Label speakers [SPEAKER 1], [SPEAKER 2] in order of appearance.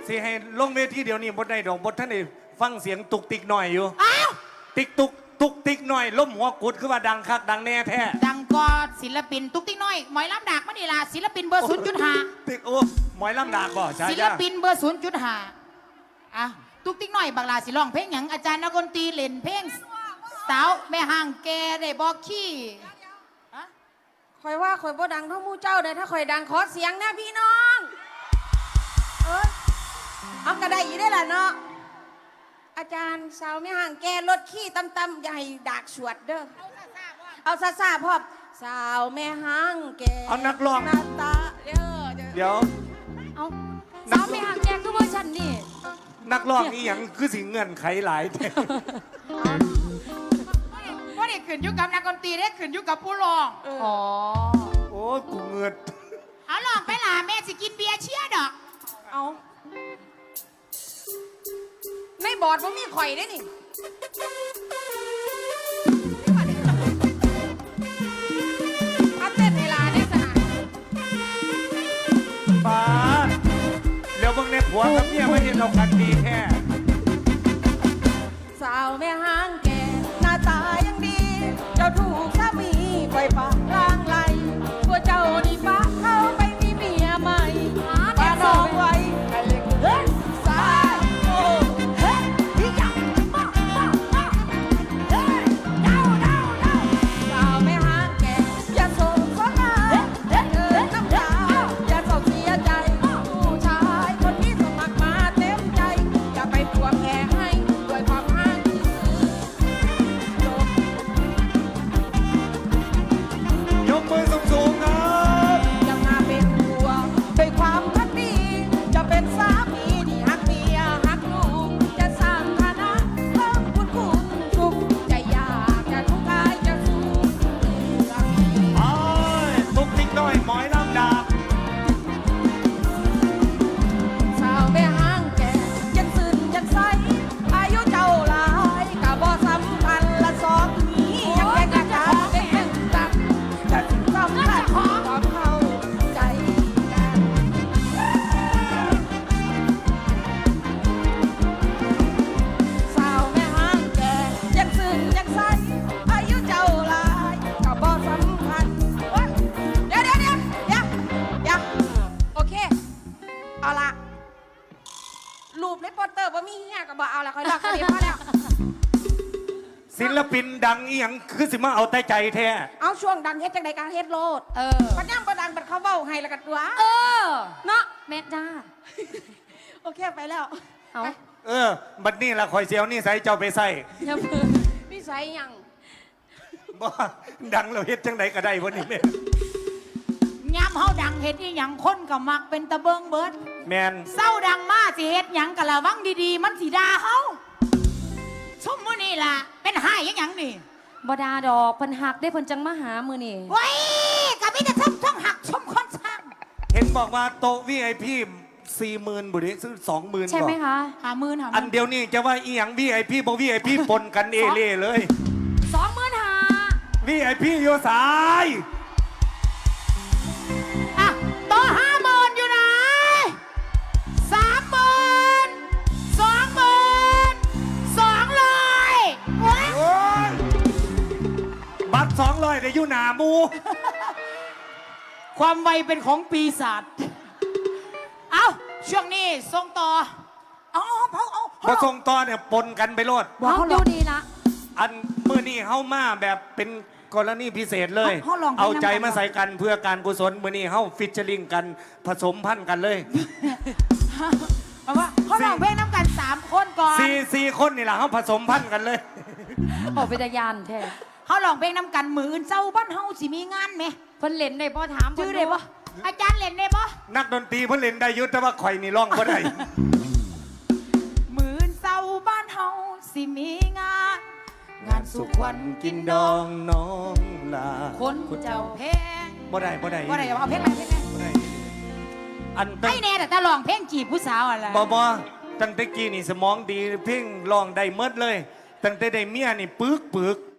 [SPEAKER 1] สิให้ลงเวทีเดี๋ยวนี้บทใดดอกบทท่านได้ฟังเสียงตุกติกหน่อยอยู่
[SPEAKER 2] อ้าว
[SPEAKER 1] ติกตุกติกหน่อยล้มหัวกุดคือว่าดังคักดังแน่แท้
[SPEAKER 2] ดังกอศิลปินตุ๊กติ๊กน้อยหมอยล้ำดากมันนี่ล่ะศิลปินเบอร์0.5
[SPEAKER 1] ติกโอ้หมอยลำดากบ่ใช่
[SPEAKER 2] ศิล
[SPEAKER 1] จ้า
[SPEAKER 2] ปินเบอร์0.5อ่ะตุ๊กติ๊กน้อยบักลาสิร้องเพลงหยังอาจารย์นักดนตรีเล่นเพลงสาวแม่ห่างแกได้บอกขี้อะ
[SPEAKER 3] คอยว่าคอยบ่ดังเท่าหมู่เจ้าเลยถ้าคอยดังขอเสียงนะพี่น้องเอากระไดอีได้ล่ะเนาะอาจารย์สาวไม่ห่างแกลดขี้ตำๆอย่าให้ดากสวดเด้อเอาซาพอบสาวแม่ห่างแก
[SPEAKER 1] เอานักร้อง
[SPEAKER 3] หน้าตา
[SPEAKER 1] เดี๋ยว
[SPEAKER 3] เอาสาวไม่ห่างแกก็เวอร์ชันนี่
[SPEAKER 1] นักร้องนี่ยังคือสิเงื่อนไขหลายแท้
[SPEAKER 2] ว่าได้ขึ้นอยู่กับนักดนตรีได้ขึ้นอยู่กับผู้ร้อง
[SPEAKER 3] อ๋อ
[SPEAKER 1] โอ้กูเงือด
[SPEAKER 2] เอาร้องไปล่ะแม่สิกินเบียร์เชียร์ดอก
[SPEAKER 3] เอาในบอร์ดว่ามีข่อยได้นี่เอาเต้นเวลาได้สนาน
[SPEAKER 1] ป้าดเดี๋ยวเบิ่งในผัวกับเมียไม่เห็นเรากันดีแท้
[SPEAKER 3] สาวแม่ห้างแก่หน้าตายังดี เจ้าถูกสามีปล่อยปากกลางไหลตัวเจ้านี่ฟ้าเข้าไปมีเมียใหม่ป้าน้องไว้ให้เล็กเฮ้ยสายโอ้เฮ้ยพี่ยังมาเฮ้ยเดาสาวแม่ห้างแก่อย่าโศกโศกน้ำตาอย่าเศร้าเสียใจผู้ชายคนนี้สมัครมาเต็มใจอย่าไปปวดแผลให้ด้วยความห้างจบ
[SPEAKER 1] ยกมือสูงๆครับ
[SPEAKER 3] จะมาเป็นผัวด้วยความพักดีจะเป็นสามีที่ฮักเมียฮักลูกจะสร้างฐานะเพิ่มคุณสุขจะยากจะทุกข์กายจะสู้รัก
[SPEAKER 1] ไอ้ตุกติกน้อยหมอยลำดาก
[SPEAKER 3] สาวแม่ห้างแก่ยังซื่นยังใสอายุเจ้าหลายกะบ่สำคัญละสองนี้ยังแก่กะกาเป็นหนึ่งตักจะถึงสำคัญความเข้าใจกัน สาวแม่ห้างแก่ยังซื่นยังใสอายุเจ้าหลายก็บ่สำคัญโอ๊ยเดี๋ยวโอเค เอาละรูปในโปสเตอร์ว่ามีเฮียก็บ่เอาละค่อยลอกกระเด็นมาแล้ว
[SPEAKER 1] ศิลปินดังอีหยังคือสิมาเอาแต่ใจแท้
[SPEAKER 3] เอาช่วงดังเฮ็ดจังใดการเฮ็ดโลดปัญญามบ่ดังบัดเขาเว้าให้แล้วก็ตัวเนาะแม่จ้าโอเคไปแล้วเอา
[SPEAKER 1] บัดนี้ละคอยเสียวนี่ใส่เจ้าไปใส่
[SPEAKER 3] อย่าเพิ่งนิสัยหยัง
[SPEAKER 1] บ่ดังเราเฮ็ดจังไดก็ได้วันนี้แม่
[SPEAKER 2] ย้ำเฮาดังเฮ็ดอีหยังคนก็มักเป็นตะเบิงเบิด
[SPEAKER 1] แมน
[SPEAKER 2] เศร้าดังมาสิเฮ็ดหยังกะละวังดีๆมันสิด่าเฮาชุ่มมื้อนี่ล่ะเป็นหายหยังนี่
[SPEAKER 4] บดาดอกเพิ่นหักได้เพิ่นจังมาหามือนี่
[SPEAKER 2] ไว้ก็มีแต่ช่องหักชมคนสร้าง
[SPEAKER 1] เห็นบอกว่าโต๊ะ VIP 40,000บุรีซื้อ20,000
[SPEAKER 4] ใช่ไหมคะ
[SPEAKER 2] หามือหา
[SPEAKER 1] อันเดียวนี่จะว่าอีหยัง VIP บ่ VIP ปนกันเอเล่เลย
[SPEAKER 4] 20,000หา
[SPEAKER 1] VIP โยสาย
[SPEAKER 2] อ่ะโต๊ะ50,000อยู่ไหน30,000 20,000 200โอ้ย
[SPEAKER 1] โอ้ยบัตร200ได้อยู่หน้าหมู
[SPEAKER 2] ความไวเป็นของปีศาจเอาช่วงนี้ส่งต่อเอา
[SPEAKER 1] บ่ส่งต่อเนี่ยปนกันไปโลด
[SPEAKER 4] บอกเขาดูดีละ
[SPEAKER 1] อันมื้อนี้เฮามาแบบเป็นกรณีพิเศษเลย เอาใจมาใส่กันเพื่อการกุศลมื้อนี้เฮาฟิชเชอริงกันผสมพันธุ์กันเลย
[SPEAKER 2] เอาว่าเขาลองเพลงน้ำกัน3 คนก่อน
[SPEAKER 1] สี่คนนี่ล่ะเฮาผสมพันธุ์กันเลย
[SPEAKER 4] ออกไปตะยานแท้
[SPEAKER 2] เขาลองเพลงน้ำกันมืออื่นเจ้าบ้านเฮาสิมีงานไหม
[SPEAKER 4] เพิ่นเล่นได้บ่ถาม
[SPEAKER 2] ชื่อได้ปะอาจารย์เล่นได้ปะ
[SPEAKER 1] นักดนตรีเพิ่นเล่นได้อยุแต่ว่าข่อยนี่ร้องบ่ได้
[SPEAKER 2] มืออื่นเจ้าบ้านเฮาสิมีงาน งานสุขวัญกินดอง
[SPEAKER 1] น้องลา
[SPEAKER 2] คนเจ้าเพลง
[SPEAKER 1] บ่ได้
[SPEAKER 2] ว่าอะไรเอาเพลงไหนเพลงไหน
[SPEAKER 1] บ่ได้อันตั้ง
[SPEAKER 2] ให้แน่แต่ตาลองเพลงจีบผู้สาวอะไร
[SPEAKER 1] บ่ตั้งแต่กี้นี่สมองดีเพ่งร้องได้เมดเลย ตั้งแต่ได้เมียนี่ปึก